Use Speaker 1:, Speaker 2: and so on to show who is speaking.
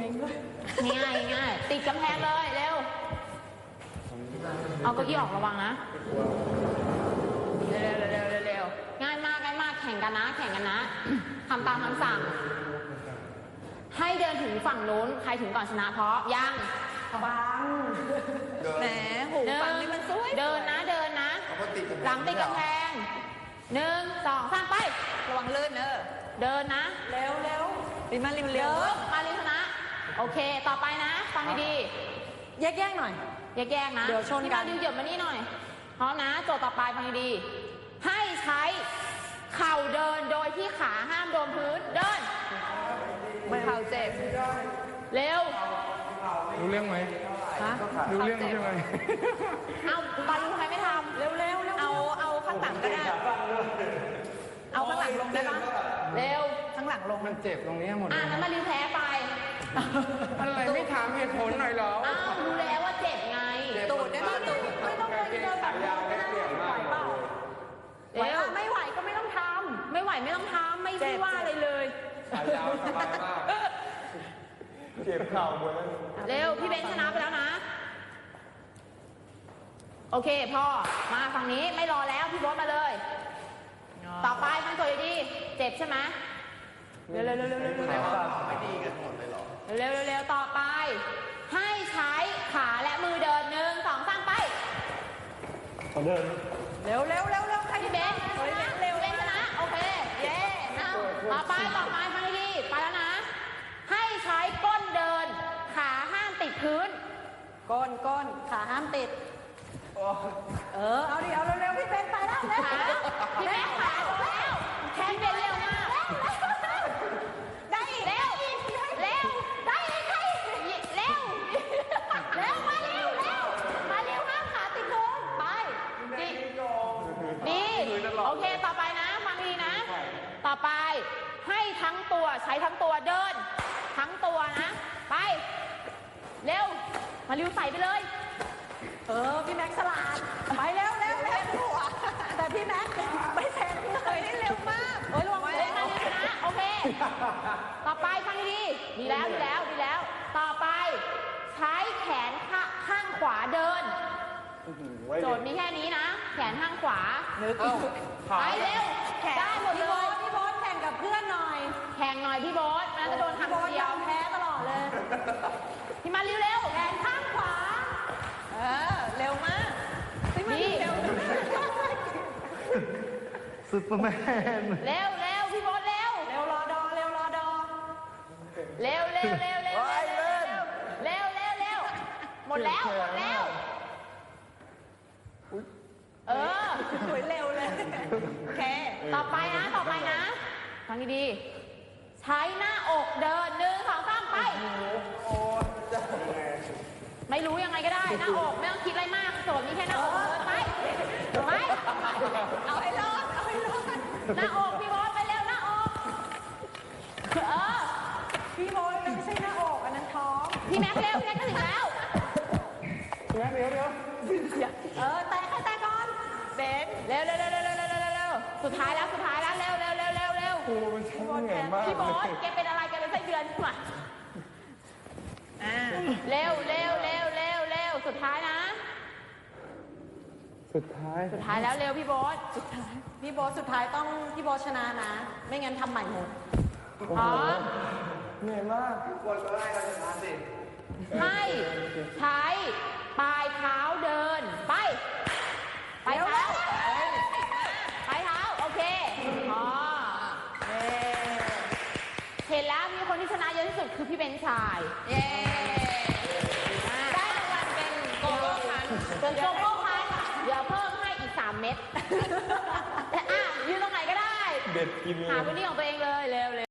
Speaker 1: งด้วย
Speaker 2: ง่ายติดกำแพงเลยเร็วเอาเก้าอี้ออกระวังนะเร็วง่ายมากแข่งกันนะทำตามคำสั่งให้เดินถึงฝั่งนู้นใครถึงก่อนชนะเพราะยัง
Speaker 1: ฟังแหมหูฟังนี่มันสวย
Speaker 2: เดินนะหลังติดกำแพง1 2 3ไประ
Speaker 1: วังลื่น
Speaker 2: เดินนะ
Speaker 1: เร็วริมมาริมเร็ว
Speaker 2: มาริมชนะโอเคต่อไปนะฟังดี
Speaker 1: ๆแยกหน่อย
Speaker 2: แยกนะ
Speaker 1: เดี๋ยวชนกัน
Speaker 2: ที่มาริวเหยียบมานี่หน่อยพร้อมนะโจทย์ต่อไปฟังดีให้ใช้เข่าเดินโดยที่ขาห้ามโดนพื้นเดิน
Speaker 1: เข่าเจ็บ
Speaker 2: เร็ว
Speaker 3: รู้เรื่องไหมรู้เรื่องใช่ไหม
Speaker 2: เอาบาลูทำไมไม่ทำ
Speaker 1: เร็วเอาข้างหลังก็ได้เอาข้างหลังลงได้ปะ
Speaker 2: เร็ว
Speaker 1: ข้างหลังลง
Speaker 3: มันเจ็บตรงนี้หมด
Speaker 2: งั้นมาริวแพ้ไป
Speaker 3: อะไรไม่ถามเหตุผลหน่อยหรอ
Speaker 2: อ้าวรู้แล้วว่าเจ็บไง
Speaker 1: ตูดได้ไหมตูดไม่ต้องเลยเดินแบบยาวได้ไหวเปล่าไม่ไหวก็ไม่ต้องทำ
Speaker 2: ไม่ไหวไม่ต้องทำไม่ใช่ว่าอะไรเลย
Speaker 3: ขายาวสบายมากเจ็บเข่าหมดแล้ว
Speaker 2: เร็วพี่เบนชนะไปแล้วนะโอเคพ่อมาฝั่งนี้ไม่รอแล้วพี่โบ๊ทมาเลยต่อไปฟังตัวดีเจ็บใช่ไหมเร็ว
Speaker 3: ไม่ดีกันหมดเลยหรอ
Speaker 2: เร็วต่อไปให้ใช้ขาและมือเดิน1 2 3ไป
Speaker 3: เขาเดิน
Speaker 1: เร็ว
Speaker 2: ใครพี่เบนเร็วชนะโอเคเย้ต่อไปฟังดีไปแล้วนะให้ใช้ก้นเดินขาห้ามติดพื้น
Speaker 1: ก้นขาห้ามติดเอาดิเอาเร็วพี่เบนไปแล้ว
Speaker 2: พี่เบนขาแล้วแค่เบนเร็วมาก
Speaker 1: ได้อีก
Speaker 2: เร็วได้อีกเร็วมาเร็วห้ามขาติดพื้นไปดีโอเคต่อไปนะฟังดีนะต่อไปให้ทั้งตัวใช้ทั้งตัวเดินทั้งตัวนะไปเร็วมาริวใส่ไปเลย
Speaker 1: พี่แม็กสลาดไปเร็วแต่พี่แม็กไม่แซงเลยนี่เร็วมาก
Speaker 2: ระวังเลยนะโอเคต่อไปฟังดีดีแล้วต่อไปใช้แขนข้างขวาเดินโจทย์มีแค่นี้นะแขนข้างขวาไปเร็วได้หมดเลย
Speaker 1: พี่โบ๊ทแข่งกับเพื่อนหน่อย
Speaker 2: แข่งหน่อยพี่โบ๊ทนะจะโดนทำเดียว
Speaker 1: แพ้ตลอดเลย
Speaker 2: พี่มาเร็ว
Speaker 1: แขนข้างขวาเร็วมาก
Speaker 2: นี่
Speaker 3: ซุปเปอร์แมน
Speaker 2: เร็วพี่โบ๊ทเร็ว
Speaker 1: รอดอ
Speaker 2: เร็วหมดแล้ว
Speaker 1: สวยเร็วเลย
Speaker 2: โอเคต่อไปนะฟังดีใช้หน้าอกเดิน1 2 3ไปไม่รู้ยังไงก็ได้หน้าอกไม่ต้องคิดอะไรมากโจทย์มีแค่หน้าอกไป
Speaker 1: เอาให้รอด
Speaker 2: หน้าอกพี่โบ๊ทไปเร็วหน้าอก
Speaker 1: พี่โบ๊ทไม่ใช่หน้าอกอันนั้นท้อง
Speaker 2: พี่แม็กเร็วพี่แม็กก็ถึงแล้ว
Speaker 3: เดี๋ยว
Speaker 1: แต่ก่อน
Speaker 2: เบนเร็วสุดท้ายแล้วเร็ว
Speaker 3: โอ้มันช่างเหนื่อยมาก
Speaker 2: พี่โบ๊ทแกเป็นอะไรแกเป็นไส้เดือนใช่ไหมเร็วสุดท้ายนะ
Speaker 3: สุดท้าย
Speaker 2: แล้วเร็วพี่โบ๊ท
Speaker 1: สุดท้ายต้องพี่โบ๊ทชนะนะไม่งั้นทำใหม่หมด
Speaker 3: เหนื่อยมากทุกคนก็ได้กันชนะสิ
Speaker 2: ให้ใช้ปลายเท้าเดินไปเท้าโอเคเห็นแล้วมีคนที่ชนะเยอะที่สุดคือพี่เบนชายได้รางวัลเป็นโกโก้คันเดี๋ยวเพิ่มให้อีก3 เม็ดยืนตรงไหนก็ได้
Speaker 3: เด็ดกินเลย
Speaker 2: หาพื้นที่ของตัวเองเลยเร็ว